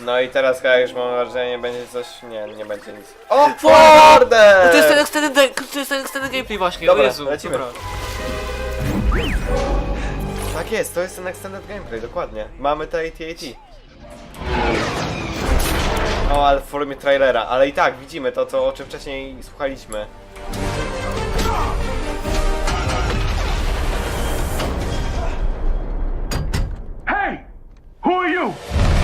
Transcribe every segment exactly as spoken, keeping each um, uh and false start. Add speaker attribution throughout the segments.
Speaker 1: No i teraz chyba już mam wrażenie, będzie coś... Nie, nie będzie nic. O kurde!
Speaker 2: To jest ten extended, to jest ten extended gameplay właśnie,
Speaker 1: Dobra,
Speaker 2: o Jezu.
Speaker 1: lecimy.
Speaker 2: Dobra.
Speaker 1: Tak jest, to jest ten extended gameplay, dokładnie. Mamy te A T A T. O, ale w formie trailera, ale i tak widzimy to, co, o czym wcześniej słuchaliśmy.
Speaker 3: Hey! Who are you?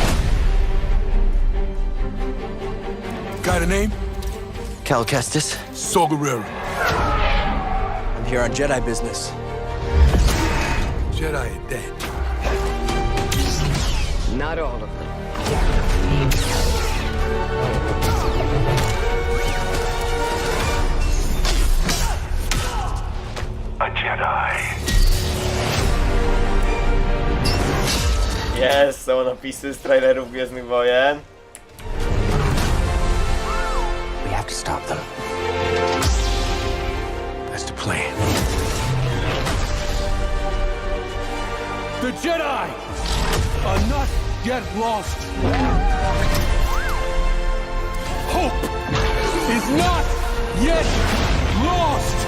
Speaker 4: Got a name?
Speaker 5: Cal Kestis.
Speaker 4: Saul Guerrero.
Speaker 5: I'm here on Jedi business.
Speaker 4: Jedi are dead.
Speaker 5: Not all of them.
Speaker 3: A Jedi.
Speaker 1: Jest, są napisy z trailerów Gwiezdnych Wojen.
Speaker 5: We have to stop them.
Speaker 4: That's the plan.
Speaker 3: The Jedi are not yet lost. Hope is not yet lost.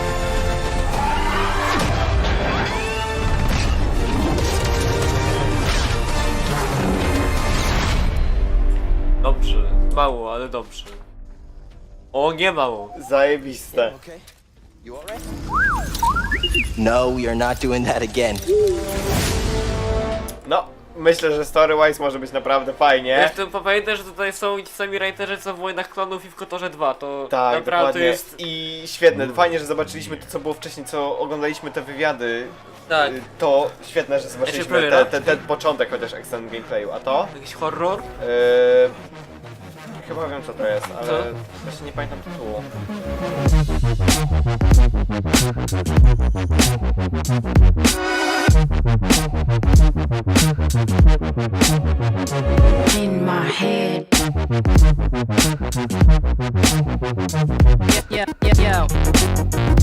Speaker 2: Dobrze, mało, ale dobrze. O, nie mało.
Speaker 1: Zajebiste.
Speaker 5: Okay. You all right? No, we are not doing that again.
Speaker 1: No, myślę, że story-wise może być naprawdę fajnie.
Speaker 2: Zresztą pamiętaj, że tutaj są ci sami writerzy co w Wojnach Klonów i w Kotorze dwa, to
Speaker 1: Tak,
Speaker 2: naprawdę
Speaker 1: dokładnie.
Speaker 2: jest...
Speaker 1: I świetne, fajnie, że zobaczyliśmy to, co było wcześniej, co oglądaliśmy te wywiady.
Speaker 2: Tak.
Speaker 1: Y, To świetne, że zobaczyliśmy
Speaker 2: premiera?
Speaker 1: te, te, ten początek chociaż extended gameplayu, a to?
Speaker 2: Jakiś horror?
Speaker 1: Yy, chyba wiem, co to jest, ale
Speaker 2: Co?
Speaker 1: właśnie nie pamiętam tytułu.
Speaker 6: In my head. Yeah, yeah, yeah, yo.